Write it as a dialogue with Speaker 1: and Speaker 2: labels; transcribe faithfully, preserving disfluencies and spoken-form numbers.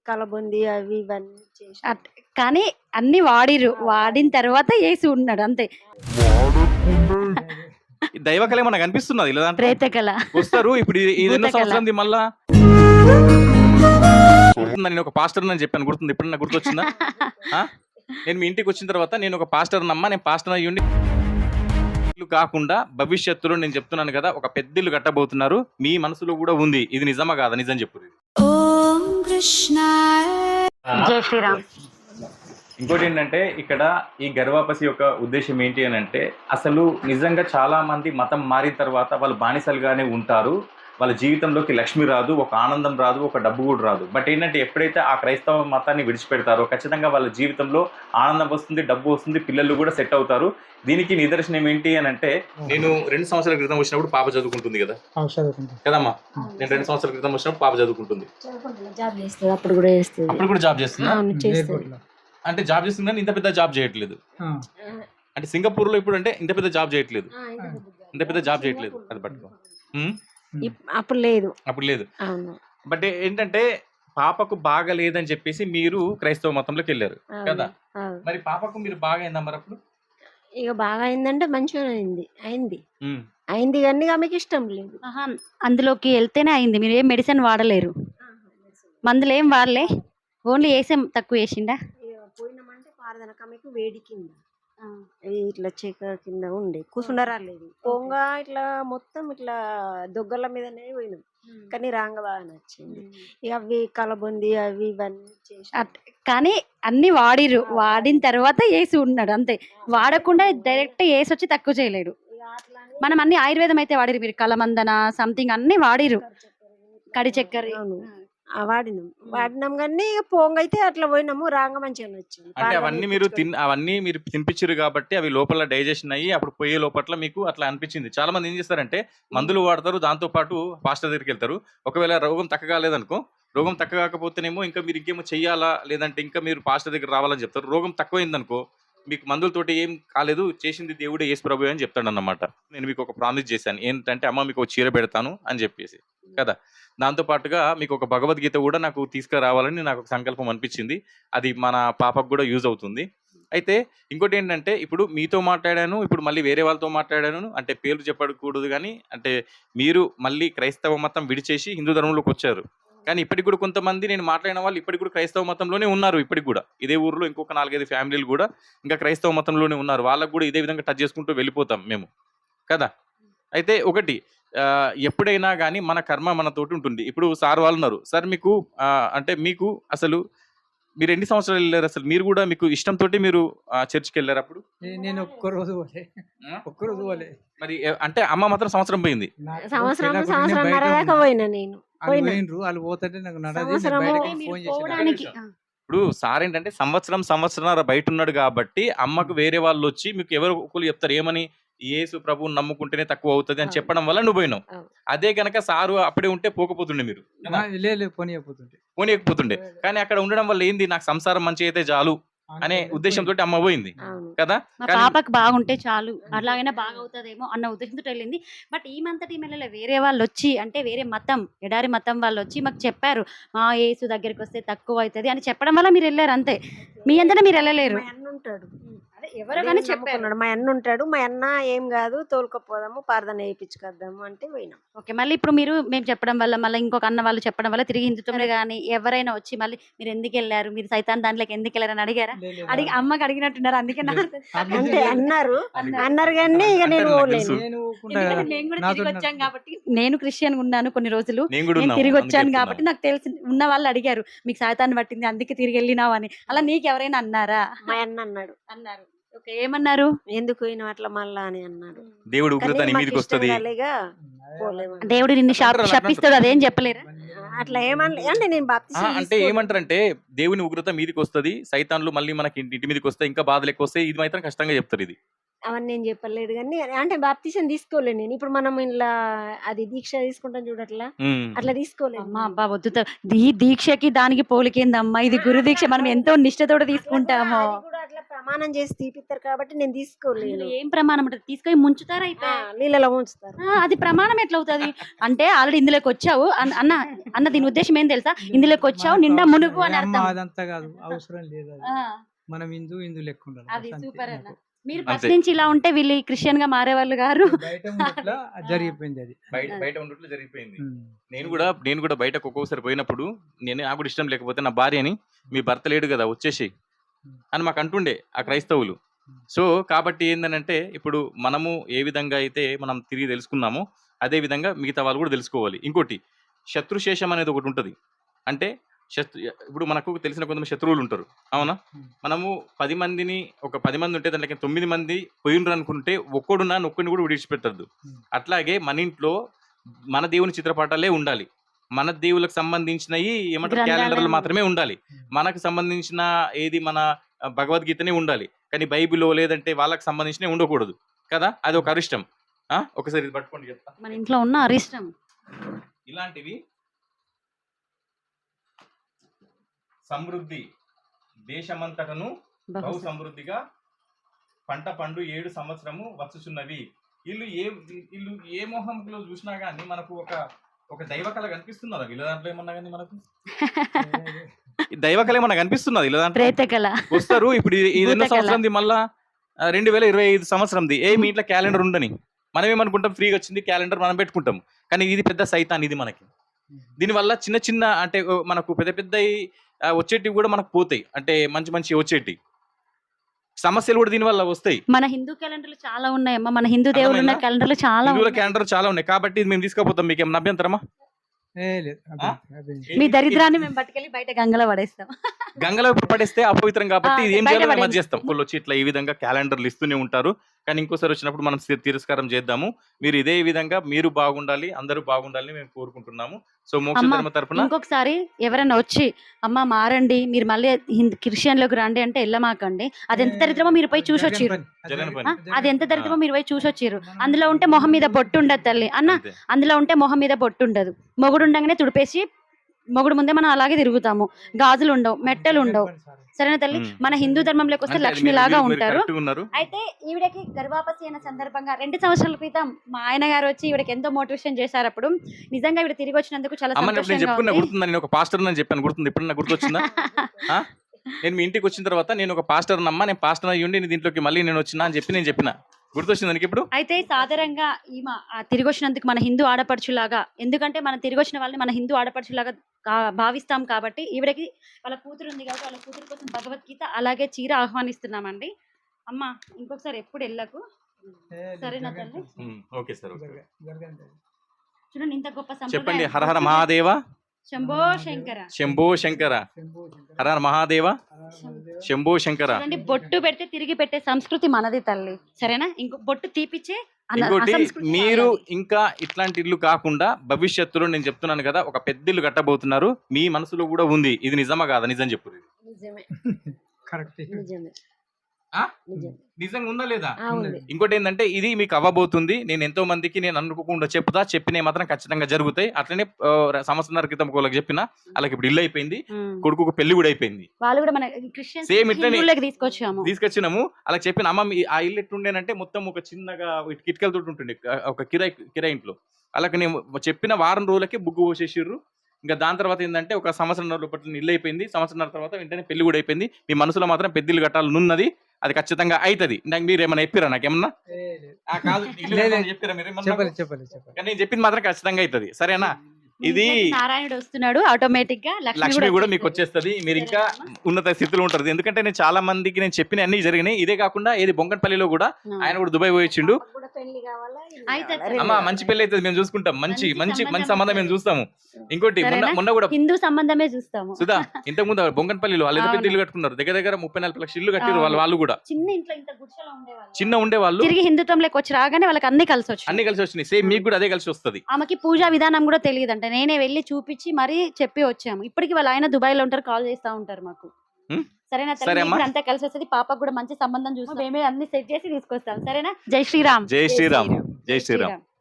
Speaker 1: కలబొంది అవి ఇవన్నీ చేసి
Speaker 2: అట్ కానీ అన్ని వాడిరు. వాడిన తర్వాత యేసు ఉన్నాడు అంతే.
Speaker 3: ఈ దైవ కళ ఏమన్నా కనిపిస్తున్నది ఇలా దాంట్లో?
Speaker 2: ప్రేత కళ.
Speaker 3: వస్తారు ఇప్పుడు ఇది ఇది ఎన్నో
Speaker 2: భూత కళ.
Speaker 3: సంవత్సరంది మళ్ళా గుర్తుందా? నేను ఒక పాస్టర్ అని చెప్పాను, గుర్తుంది? ఎప్పుడన్నా గుర్తొచ్చిందా? ఆ? నేను మీ ఇంటికి వచ్చిన తర్వాత నేను ఒక పాస్టర్ నమ్మా, నేను పాస్టర్ అయ్యుండి ఇల్లు కాకుండా భవిష్యత్తులో నేను చెప్తున్నాను కదా, ఒక పెద్ద ఇల్లు కట్టబోతున్నారు. మీ మనసులో కూడా ఉంది, ఇది నిజమా కాదా? నిజం చెప్పు.
Speaker 2: జై శ్రీరామ్.
Speaker 3: ఇంకోటి ఏంటంటే ఇక్కడ ఈ గర్వాపసి యొక్క ఉద్దేశం ఏంటి అని అంటే, అసలు నిజంగా చాలా మంది మతం మారిన తర్వాత వాళ్ళు బానిసలుగానే ఉంటారు. వాళ్ళ జీవితంలోకి లక్ష్మి రాదు, ఒక ఆనందం రాదు, ఒక డబ్బు కూడా రాదు. బట్ ఏంటంటే ఎప్పుడైతే ఆ క్రైస్తవ మతాన్ని విడిచిపెడతారో ఖచ్చితంగా వాళ్ళ జీవితంలో ఆనందం వస్తుంది, డబ్బు వస్తుంది, పిల్లలు కూడా సెట్ అవుతారు. దీనికి నిదర్శనం ఏంటి అని అంటే, నేను రెండు సంవత్సరాల క్రితం వచ్చినప్పుడు పాప చదువుకుంటుంది కదా కదమ్మా. నేను రెండు సంవత్సరాల క్రితం వచ్చినప్పుడు పాప చదువుకుంటుంది.
Speaker 1: జాబ్ చేస్తుంది, అప్పుడు కూడా చేస్తుంది.
Speaker 3: అప్పుడు కూడా జాబ్ చేస్తుందా?
Speaker 1: అవును, చేస్తుంది.
Speaker 3: అంటే జాబ్ చేస్తుంది కానీ ఇంత పెద్ద జాబ్ చేయట్లేదు. అంటే సింగపూర్ లో ఇప్పుడు అంటే ఇంత పెద్ద జాబ్ చేయట్లేదు, ఇంత పెద్ద జాబ్ చేయట్లేదు. అది పట్టుకో. ఉమ్.
Speaker 1: ఇప్- అప్పుడు లేదు.
Speaker 3: అప్పుడు లేదు.
Speaker 1: అవును
Speaker 3: బట్ ఏంటంటే పాపకు బాగా లేదని చెప్పేసి మీరు క్రైస్తవ మతంలోకి వెళ్ళారు
Speaker 1: అవును,
Speaker 3: కదా.
Speaker 1: అవును.
Speaker 3: మరి పాపకు మీరు బాగా అయిందా మరి అప్పుడు?
Speaker 1: ఇక బాగా అయిందంటే మంచిగా అయింది అయింది
Speaker 3: ఉమ్.
Speaker 1: అయింది కానీ ఆమెకి ఇష్టం లేదు.
Speaker 2: ఆహా, అందులోకి వెళ్తేనే అయింది. మీరు ఏం మెడిసిన్ వాడలేరు, మందులు ఏం వాడలే, ఓన్లీ వేసాం. తక్కువ వేసిండా?
Speaker 1: ఇక పోయినామంటే పారదనక ఆమెకు వేడి కింద ఈ ఇట్లా చీక కింద ఉండే కూర్చుండరాలేదు. పొంగ ఇట్లా మొత్తం ఇట్లా దొగ్గల మీదనే పోయినాం. కానీ రాంగ బాగా నచ్చింది. ఇక అవి కలబొంది అవి ఇవన్నీ చేసి
Speaker 2: అట్ కానీ అన్ని వాడిరు. వాడిన తర్వాత యేసు ఉన్నాడు అంతే. వాడకుండా డైరెక్ట్ యేసు వచ్చి తక్కువ చేయలేడు.
Speaker 1: ఇక అట్లా అని
Speaker 2: మనం అన్ని ఆయుర్వేదం అయితే వాడిరు, మీరు కలమందన సంథింగ్ అన్ని వాడిరు. కడి చక్కెర.
Speaker 1: అవును, ఆ వాడినాం వాడినాం కానీ ఇక పొంగ అయితే అట్లా పోయినాము. రాంగ మంచిగా నచ్చింది.
Speaker 3: అంటే అవన్నీ మీరు తిన్ అవన్నీ మీరు తినిపించారు కాబట్టి అవి లోపల డైజెషన్ అయ్యి అప్పుడు పోయే లోపల మీకు అట్లా అనిపించింది. చాలా మంది ఏం చేస్తారంటే మందులు వాడతారు, దాంతో పాటు పాస్టర్ దగ్గరికి వెళ్తారు. ఒకవేళ రోగం తగ్గలేదనుకో, రోగం తగ్గకపోతేనేమో ఇంకా మీరు ఇంకేమో చెయ్యాలా, లేదంటే ఇంకా మీరు పాస్టర్ దగ్గర రావాలని చెప్తారు. రోగం తక్కువైందనుకో, మీకు మందులతోటి ఏం కాలేదు, చేసింది దేవుడే యేసు ప్రభు అని చెప్తాడు అన్నమాట. నేను మీకు ఒక ప్రామిస్ చేశాను ఏంటంటే, అమ్మ మీకు ఒక చీర పెడతాను అని చెప్పేసి కదా. దాంతో పాటుగా మీకు ఒక భగవద్గీత కూడా నాకు తీసుకురావాలని నాకు ఒక సంకల్పం అనిపించింది. అది మన పాపకు కూడా యూజ్ అవుతుంది. అయితే ఇంకోటి ఏంటంటే, ఇప్పుడు మీతో మాట్లాడాను, ఇప్పుడు మళ్ళీ వేరే వాళ్ళతో మాట్లాడాను. అంటే పేర్లు చెప్పకూడదు కానీ, అంటే మీరు మళ్ళీ క్రైస్తవ మతం విడిచేసి హిందూ ధర్మంలోకి వచ్చారు. కానీ ఇప్పటికి కూడా కొంతమంది నేను మాట్లాడిన వాళ్ళు ఇప్పటికి కూడా క్రైస్తవ మతంలోనే ఉన్నారు. ఇప్పటికి కూడా ఇదే ఊర్లో ఇంకొక నాలుగైదు ఫ్యామిలీలు కూడా ఇంకా క్రైస్తవ మతంలోనే ఉన్నారు. వాళ్ళకు కూడా ఇదే విధంగా టచ్ చేసుకుంటూ వెళ్ళిపోతాం మేము కదా. అయితే ఒకటి ఆ, ఎప్పుడైనా కానీ మన కర్మ మనతోటి ఉంటుంది. ఇప్పుడు సార్ వాళ్ళు ఉన్నారు. సార్ మీకు ఆ, అంటే మీకు అసలు మీరు ఎన్ని సంవత్సరాలు వెళ్ళారు? అసలు మీరు కూడా మీకు ఇష్టంతో మీరు ఆ, చర్చికి వెళ్ళారు అప్పుడు?
Speaker 4: నే- నేను ఒక్క రోజు పోలే
Speaker 3: ఆ?
Speaker 4: ఒక్క రోజు పోలే
Speaker 3: మరి ఎ- అంటే అమ్మ మాత్రం సంవత్సరం పోయింది.
Speaker 4: నాకు
Speaker 1: సంవత్సరం
Speaker 4: తెలియకుండా నేను
Speaker 1: సంవత్సరంన్నర
Speaker 4: బయట
Speaker 1: దాకా
Speaker 4: ఉన్నా.
Speaker 1: పోయినా నేను
Speaker 4: వాళ్ళు
Speaker 1: పోయినా
Speaker 4: పోయినరు, వాళ్ళు పోతుంటే నాకు నడది
Speaker 1: సంవత్సరము
Speaker 4: బయటకు
Speaker 2: మీరు
Speaker 4: ఫోన్ చేసిన
Speaker 2: పోవడానికి
Speaker 3: ఇప్పుడు సార్ ఏంటంటే సంవత్సరం సంవత్సరం బయట ఉన్నాడు కాబట్టి అమ్మకు వేరే వాళ్ళు వచ్చి మీకు ఎవరు ఒకరు చెప్తారు ఏమని, యేసు ప్రభువుని నమ్ముకుంటేనే తక్కువ అవుతుంది అని
Speaker 1: అవును.
Speaker 3: చెప్పడం వల్ల నువ్వు పోయినావు.
Speaker 1: అవును.
Speaker 3: అదే గనక సారు అప్పుడే ఉంటే పోకపోతుండే మీరు కదా?
Speaker 4: లేదు పోనీ అయిపోతుంటే
Speaker 3: పోనీయకపోతుండే. కానీ అక్కడ ఉండడం వల్ల ఏంది, నాకు సంసారం మంచి అయితే చాలు అనే ఉద్దేశంతో అమ్మ పోయింది
Speaker 1: అవును.
Speaker 3: కదా.
Speaker 2: మా
Speaker 3: కానీ
Speaker 2: పాపకు బాగుంటే చాలు, అట్లాగైనా బాగా అవుతుందేమో అన్న ఉద్దేశంతో వెళ్ళింది. బట్ ఈ మంతటి ఈమె వేరే వాళ్ళు వచ్చి, అంటే వేరే మతం, ఎడారి మతం వాళ్ళు వచ్చి మాకు చెప్పారు, మా యేసు దగ్గరికి వస్తే తక్కువ అవుతుంది అని చెప్పడం వల్ల మీరు వెళ్ళారు అంతే. మీ అంతటా మీరు వెళ్ళలేరు.
Speaker 1: మా అన్న ఉంటాడు,
Speaker 2: అదే ఎవరో కానీ చెప్పారు.
Speaker 1: నమ్ముకున్నాడు. మా అన్న ఉంటాడు. మా అన్న ఏం కాదు తోలుకపోదాము పారదన వేయించుకొద్దాము అంటే పోయినాం.
Speaker 2: ఓకే, మళ్ళీ ఇప్పుడు మీరు మేము చెప్పడం వల్ల, మళ్ళీ ఇంకొక అన్న వాళ్ళు చెప్పడం వల్ల తిరిగి హిందుత్వంలో కానీ ఎవరైనా వచ్చి మళ్ళీ మీరు ఎందుకు వెళ్ళారు, మీరు సైతాన్ దాంట్లోకి ఎందుకు వెళ్ళారని అడిగారా? అడిగి అమ్మకి అడిగినట్టున్నారు. అందుకే నాకు
Speaker 1: అంటే అన్నారు అన్నారు కానీ ఇక నేను
Speaker 3: నాకు
Speaker 1: పోలేను.
Speaker 3: తెలుసు.
Speaker 4: నేను ఊరుకుంటా
Speaker 2: ఎందుకంటే
Speaker 4: కదా.
Speaker 2: మేము కూడా
Speaker 4: నాతో
Speaker 2: తిరిగి వచ్చాం కాబట్టి, నేను క్రిస్టియన్ ఉన్నాను కొన్ని రోజులు,
Speaker 3: నేను కూడా
Speaker 2: నేను
Speaker 3: ఉన్నాను,
Speaker 2: తిరిగి
Speaker 3: అందుకే
Speaker 2: వచ్చాను
Speaker 3: చెప్తున్నాను.
Speaker 2: కాబట్టి నాకు తెలిసి ఉన్న వాళ్ళు అడిగారు, మీకు సాతాన్ని పట్టింది అందుకే తిరిగి వెళ్ళినావు అని. అలా నీకు ఎవరైనా అన్నారా?
Speaker 1: మా అన్న అన్నాడు,
Speaker 2: అన్నారు. ఓకే, ఏమన్నారు?
Speaker 1: ఎందుకు పోయినావు అట్లా మళ్ళా అని అన్నాడు.
Speaker 3: దేవుడు ఉగ్రత
Speaker 1: కానీ
Speaker 3: నీ
Speaker 1: మాకు
Speaker 3: మీదకి
Speaker 1: ఇష్టం
Speaker 3: వస్తుంది.
Speaker 1: కాలేగా పోలేము.
Speaker 2: దేవుడు నిన్ను శాప-
Speaker 3: అంటారు,
Speaker 2: శపిస్తాడు, అదేం చెప్పలేరా?
Speaker 1: అట్లా ఏమనలే అంటే నేను
Speaker 3: ఆ,
Speaker 1: బాప్తిసం
Speaker 3: అంటే
Speaker 1: తీసుకోలేదు.
Speaker 3: ఏమంటారంటే దేవుని ఉగ్రత మీదకి వస్తుంది, సైతాన్లు మళ్ళీ మనకి ఇంటి ఇంటి మీదకి వస్తాయి, ఇంకా బాధలు ఎక్కువ వస్తాయి. ఇది మాత్రం కష్టంగా చెప్తారు. ఇది
Speaker 1: అవన్నీ నేను చెప్పలేదు కానీ అంటే బాప్తిసం తీసుకోలేదు నేను. ఇప్పుడు మనం ఇలా అది దీక్ష తీసుకుంటాం చూడట్లా,
Speaker 3: ఉమ్.
Speaker 1: అట్లా తీసుకోలేదు.
Speaker 2: అమ్మా అబ్బా వద్దు త- ఈ దీక్షకి దానికి పోలికేందమ్మా, ఇది గురు దీక్ష, మనం ఎంతో నిష్ఠతోటి తీసుకుంటాము.
Speaker 1: అది కూడా అట్లా ప్రమాణం చేసి తీపిస్తారు కాబట్టి నేను తీసుకోలేను.
Speaker 2: అందులో ఏం ప్రమాణం ఉంటుంది? తీసుకొని ముంచుతారా అయితే?
Speaker 1: ఆ, నీళ్ళలో ఉంచుతారు.
Speaker 2: ఆ, అది ప్రమాణం ఎట్లా అవుతుంది? అంటే ఆల్రెడీ ఇందులోకి వచ్చావు అన్న అన్న అన్న దీని ఉద్దేశం ఏం తెలుసా? ఇందులోకి వచ్చావు నిండా మునుగు అని
Speaker 4: అమ్మ
Speaker 2: అర్థం.
Speaker 4: అదంతా కాదు, అవసరం లేదు అది.
Speaker 2: ఆ,
Speaker 4: మనం హిందూ హిందూ లెక్క ఉండాలి.
Speaker 2: అది
Speaker 4: అంతే
Speaker 2: సూపర్ అన్న.
Speaker 4: నాకు.
Speaker 2: మీరు
Speaker 3: అంతే.
Speaker 2: ఫస్ట్ నుంచి ఇలా ఉంటే వీళ్ళు క్రిస్టియన్ గా మారేవాళ్ళు గారు.
Speaker 4: బయట ఉన్నట్ల జరిగిపోయింది అది.
Speaker 3: బయట బయట ఉన్నట్లు జరిగిపోయింది.
Speaker 4: ఉమ్.
Speaker 3: నేను కూడా నేను కూడా బయటకు ఒక్కొక్కసారి పోయినప్పుడు నేను నాకు కూడా ఇష్టం లేకపోతే నా భార్యని మీ భర్త లేడు కదా వచ్చేసి అని మాకు అంటుండే ఆ క్రైస్తవులు. సో కాబట్టి ఏంటంటే ఇప్పుడు మనము ఏ విధంగా అయితే మనం తిరిగి తెలుసుకున్నామో అదే విధంగా మిగతా వాళ్ళు కూడా తెలుసుకోవాలి. ఇంకోటి శత్రుశేషం అనేది ఒకటి ఉంటుంది. అంటే శత్రు ఇప్పుడు మనకు తెలిసిన కొంతమంది శత్రువులు ఉంటారు, అవునా? మనము పది మందిని ఒక పది మంది ఉంటే దాంట్లో తొమ్మిది మంది పోయినరు అనుకుంటే ఒక్కడున్నా ఒక్కడిని కూడా విడిచిపెట్టద్దు. అట్లాగే మన ఇంట్లో మన దేవుని చిత్రపటాలే ఉండాలి. మన దేవులకు సంబంధించినవి ఏమంటారు
Speaker 2: గ్రంథాలే
Speaker 3: క్యాలెండర్లు
Speaker 2: ఉండాలి.
Speaker 3: మాత్రమే ఉండాలి. మనకు సంబంధించిన ఏది మన ఆ, భగవద్గీతనే ఉండాలి. కానీ బైబిల్ లేదంటే వాళ్ళకి సంబంధించినవి ఉండకూడదు కదా, అది ఒక అరిష్టం. ఆ ఒకసారి ఇది పట్టుకోండి చెప్తా.
Speaker 2: మన ఇంట్లో ఉన్న అరిష్టం.
Speaker 3: ఇలాంటివి సమృద్ధి దేశమంతటను బహు సమృద్ధిగా పంట పండు ఏడు సంవత్సరము వచ్చుచున్నవి. వీళ్ళు ఏ వీళ్ళు ఏ మొహంలో చూసినా గానీ మనకు ఒక ఒక దైవ కళ కనిపిస్తున్నదా వీళ్ళ దాంట్లో ఏమన్నా కానీ మనకు దైవ కళ ఏమన్నా కనిపిస్తున్నది వీళ్ళ దాంట్లో?
Speaker 2: ప్రేత కళ
Speaker 3: వస్తారు ఇప్పుడు ఇది ఎన్నో
Speaker 2: భూత కళ.
Speaker 3: సంవత్సరంది మళ్ళా ఆ, రెండు వేల ఇరవై ఐదు సంవత్సరంది. ఏ మీ ఇంట్లో క్యాలెండర్ ఉండని మనం ఏమనుకుంటాం, ఫ్రీగా వచ్చింది క్యాలెండర్ మనం పెట్టుకుంటాం. కానీ ఇది పెద్ద సైతాన్ ఇది మనకి. దీనివల్ల చిన్న చిన్న అంటే ఓ, మనకు పెద్ద పెద్ద వచ్చేటివి కూడా మనకు పోతాయి. అంటే మంచి మంచి వచ్చేటి సమస్యలు కూడా దీనివల్ల వస్తాయి.
Speaker 2: మన హిందూ క్యాలెండర్లు చాలా ఉన్నాయమ్మా. మన హిందూ దేవుళ్ళు ఉన్న
Speaker 3: అర్థమైందా?
Speaker 2: క్యాలెండర్లు చాలా
Speaker 3: హిందువుల
Speaker 2: ఉన్నాయి.
Speaker 3: క్యాలెండర్ చాలా ఉన్నాయి కాబట్టి ఇది మేము తీసుకుపోతాం. మీకు ఏమన్నా అభ్యంతరమా?
Speaker 4: ఏ లేదు, అభ్యంతరం, అభ్యంతరం.
Speaker 2: మీ దరిద్రాన్ని మేము పట్టుకెళ్ళి బయట గంగలో పడేస్తాం.
Speaker 3: గంగలో ఇప్పుడు పడేస్తే అపవిత్రం కాబట్టి
Speaker 2: ఆ,
Speaker 3: ఇది ఏం
Speaker 2: బయట
Speaker 3: చేయాలో
Speaker 2: పడేయండి.
Speaker 3: మనం చేస్తాం. వాళ్ళు వచ్చి ఇట్లా ఈ విధంగా క్యాలెండర్లు ఇస్తూనే ఉంటారు. కానీ ఇంకోసారి వచ్చినప్పుడు మనం తి- తిరస్కారం చేద్దాము. మీరు ఇదే విధంగా మీరు బాగుండాలి, అందరూ బాగుండాలని మేము కోరుకుంటున్నాము. సో మోక్ష
Speaker 2: అమ్మ,
Speaker 3: ధర్మ తరపున
Speaker 2: ఇంకొకసారి ఎవరైనా వచ్చి అమ్మ మారండి మీరు మళ్ళీ హిందూ క్రిస్టియన్ లోకి రండి అంటే వెళ్ళమాకండి. అది ఎంత దరిద్రమో మీరు పోయి చూసి
Speaker 4: జరగని
Speaker 2: వచ్చిర్రు.
Speaker 4: పని, అది
Speaker 3: జరగని
Speaker 4: జరగని
Speaker 3: పని.
Speaker 4: పని.
Speaker 2: అది ఎంత దరిద్రమో మీరు పోయి చూసి వచ్చిర్రు.
Speaker 4: మనం-
Speaker 2: అందులో ఉంటే మొహం మీద బొట్టు ఉండదు తల్లి అన్న.
Speaker 3: అంతే.
Speaker 2: అందులో ఉంటే మొహం మీద బొట్టు ఉండదు. మొగుడు ఉండగానే తుడిపేసి మొగుడు ముందే మనం అలాగే తిరుగుతాము. గాజులు ఉండవు, మెట్టలు ఉండవు.
Speaker 4: జరగని పని సార్.
Speaker 2: సరేనా తల్లి?
Speaker 3: ఉమ్.
Speaker 2: మన హిందూ ధర్మంలోకి వస్తే
Speaker 3: అంటే అది
Speaker 2: లక్ష్మి
Speaker 3: మీరు-
Speaker 2: లాగా
Speaker 3: మీరు
Speaker 2: ఉంటారు.
Speaker 3: correct గా ఉన్నారు.
Speaker 2: అయితే ఈవిడకి గర్భాపసి అయిన సందర్భంగా రెండు సంవత్సరాల క్రితం మా ఆయన గారు వచ్చి ఈవిడకి ఎంతో మోటివేషన్ చేశారు. అప్పుడు నిజంగా ఈవిడ తిరిగి వచ్చినందుకు చాలా
Speaker 3: అమ్మ నేను
Speaker 2: సంతోషంగా
Speaker 3: చెప్పుకున్నా
Speaker 2: ఉంది.
Speaker 3: గుర్తుందా? నేను ఒక పాస్టర్ అని చెప్పాను, గుర్తుంది? ఎప్పుడన్నా గుర్తొచ్చిందా? ఆ? నేను మీ ఇంటికి వచ్చిన తర్వాత నేను ఒక పాస్టర్ నమ్మ నేను పాస్టర్ అయ్యి ఉండి నీ దీంట్లోకి మళ్ళీ నేను వచ్చినా అని చెప్పి నేను చెప్పిన, గుర్తొచ్చింది దానికి ఇప్పుడు?
Speaker 2: అయితే సాధారణంగా ఈమె ఆ తిరిగి వచ్చినందుకు మన హిందూ ఆడపడుచులాగా, ఎందుకంటే మనం తిరిగి వచ్చిన వాళ్ళని మన హిందూ ఆడపడుచులాగా కా- భావిస్తాం కాబట్టి ఈవిడకి వాళ్ళ కూతురు ఉంది కాబట్టి వాళ్ళ కూతురు కోసం భగవద్గీత అలాగే చీర ఆహ్వానిస్తున్నామండి. అమ్మ ఇంకొకసారి ఎప్పుడు వెళ్ళకు.
Speaker 4: ఏ లేదు,
Speaker 2: సరేనా
Speaker 4: జరగని
Speaker 2: తల్లి?
Speaker 4: పని.
Speaker 3: Um, okay sir okay.
Speaker 4: జరగ- జరగని పని.
Speaker 2: చూడండి ఇంత గొప్ప
Speaker 3: చెప్పండి.
Speaker 2: సంప్రదాయం.
Speaker 3: హరహర మహాదేవ,
Speaker 2: శంభో శంకర.
Speaker 3: శంభో శంకర,
Speaker 4: శంభో శంకర.
Speaker 3: హరహర మహాదేవ,
Speaker 4: హర మహాదేవ.
Speaker 3: శంభో శంకర.
Speaker 2: చూడండి బొట్టు పెడితే తిరిగి పెట్టే సంస్కృతి మనది తల్లి. సరేనా? ఇంకో బొట్టు తీపిచ్చే అన-
Speaker 3: ఇంకోటి
Speaker 2: అసంస్కృతి
Speaker 3: మీరు
Speaker 2: వాళ్ళది.
Speaker 3: ఇంకా ఇట్లాంటి ఇల్లు కాకుండా భవిష్యత్తులో నేను చెప్తున్నాను కదా ఒక పెద్ద ఇల్లు కట్టబోతున్నారు. మీ మనసులో కూడా ఉంది, ఇది నిజమా కాదా? నిజం చెప్పు.
Speaker 1: నిజమే,
Speaker 4: కరెక్ట్.
Speaker 1: నిజమే,
Speaker 3: ఆ?
Speaker 1: నిజమే.
Speaker 3: నిజంగా ఉందా లేదా?
Speaker 1: ఆ, ఉంది.
Speaker 3: ఇంకోటి ఏంటంటే ఇది మీకు అవ్వబోతుంది. నేను ఎంతో మందికి నేను అనుకోకుండా చెప్తా, చెప్పినవి మాత్రం ఖచ్చితంగా జరుగుతాయి. అట్లనే ఆ, సంవత్సరాల క్రితం వాళ్ళకి చెప్పిన వాళ్ళకి ఇప్పుడు ఇల్లు అయిపోయింది,
Speaker 2: ఉమ్.
Speaker 3: కొడుకు పెళ్లి కూడా అయిపోయింది.
Speaker 2: వాళ్ళు కూడా మన క్రిస్టియన్స్
Speaker 3: Same ఇట్లనే.
Speaker 2: హిందువులకి తీసుకొచ్చాము.
Speaker 3: తీసుకొచ్చినాము. అలా చెప్పిన అమ్మ మీ- ఆ ఇల్లు ఎట్లుండేనంటే మొత్తం ఒక చిన్నగా కిటికలతో ఉంటుండే ఆ, ఒక కిరాయి కిరాయి ఇంట్లో. అలాగే నేను చెప్పిన వారం రోజులకి బుగ్గు పోసేసిర్రు. ఇంకా దాని తర్వాత ఏంటంటే ఒక సంవత్సరం లోపల ఇల్లు అయిపోయింది. సంవత్సరం తర్వాత వెంటనే పెళ్లి కూడా అయిపోయింది. మీ మనసులో మాత్రం పెద్ద ఇల్లు కట్టాలనున్నది, అది ఖచ్చితంగా అవుతుంది. నాకు మీరు ఏమైనా చెప్పారా? నాకేమన్నా
Speaker 4: ఏ లేదు.
Speaker 3: ఆ, కాదు ఇల్లు
Speaker 4: లేదు.
Speaker 3: కట్టాలని చెప్పారా మీరు ఏమన్నా?
Speaker 4: చెప్పాలి చెప్పాలి చెప్పాలి.
Speaker 3: కానీ నేను చెప్పింది మాత్రం ఖచ్చితంగా అవుతుంది. సరేనా?
Speaker 2: మీ
Speaker 3: ఇది
Speaker 2: ఇంట్లోకి నారాయణుడు వస్తున్నాడు ఆటోమేటిక్ గా. లక్ష్మి
Speaker 3: లక్ష్మి కూడా మీకు
Speaker 2: వచ్చేస్తుంది.
Speaker 3: వచ్చేస్తుంది. మీరు ఇంకా ఉన్నత స్థితిలో ఉంటారు. ఎందుకంటే నేను చాలా మందికి నేను చెప్పిన అన్ని జరిగినాయి. ఇదే కాకుండా ఏది బొంగన్పల్లిలో కూడా ఆయన కూడా దుబాయ్ పోయించిండు.
Speaker 1: మాకు కూడా పెళ్లి కావాలా, ఇల్లు
Speaker 2: అయితే
Speaker 1: కావాలా,
Speaker 2: అమ్మ,
Speaker 1: రెండు
Speaker 3: అమ్మ
Speaker 1: కావాలా.
Speaker 3: మంచి పెళ్లి అయితే మేము చూసుకుంటాం. మంచి
Speaker 2: మంచి
Speaker 3: మంచి
Speaker 2: సంబంధం
Speaker 3: మంచి సంబంధం మేము
Speaker 2: వస్తుంది.
Speaker 3: చూస్తాము. ఇంకోటి మొన్న
Speaker 2: సరేనా?
Speaker 3: మొన్న కూడా
Speaker 2: హిందూ సంబంధమే చూస్తాము.
Speaker 3: సుధా ఇంతకు ముందు బొంగన్పల్లిలో వాళ్ళు ఎంత పెద్ద
Speaker 2: అవును.
Speaker 3: ఇల్లు కట్టుకున్నారు. దగ్గర దగ్గర ముప్పై నలభై లక్షల ఇల్లు కట్టారు వాళ్ళు.
Speaker 2: అవును.
Speaker 3: వాళ్ళు కూడా
Speaker 2: చిన్న ఇంట్లో ఇంత గుడిసెలో ఉండేవాళ్ళు.
Speaker 3: చిన్న ఉండే వాళ్ళు
Speaker 2: తిరిగి హిందుత్వంలోకి వచ్చి రాగానే వాళ్ళకి అన్ని కలిసి వచ్చి
Speaker 3: అన్ని కలిసి వచ్చినాయి. సేమ్ మీకు కూడా అదే కలిసి వస్తుంది.
Speaker 2: ఆమెకి పూజా విధానం కూడా తెలియదంట. నేనే వెళ్ళి చూపించి మరీ చెప్పి వచ్చాము. ఇప్పటికి వాళ్ళ ఆయన దుబాయ్ లో ఉంటారు, కాల్ చేస్తా ఉంటారు మాకు.
Speaker 3: హ్మ్?
Speaker 2: సరేనా తల్లి?
Speaker 3: సరే
Speaker 2: మీకు
Speaker 3: అమ్మా.
Speaker 2: కూడా అంతా కలిసి వస్తుంది. పాపకు కూడా మంచి సంబంధం చూస్తాం. మేమే అన్ని సెట్ చేసి తీసుకొస్తాం. సరేనా? జై శ్రీరామ్.
Speaker 3: జై శ్రీరామ్, జై శ్రీరామ్.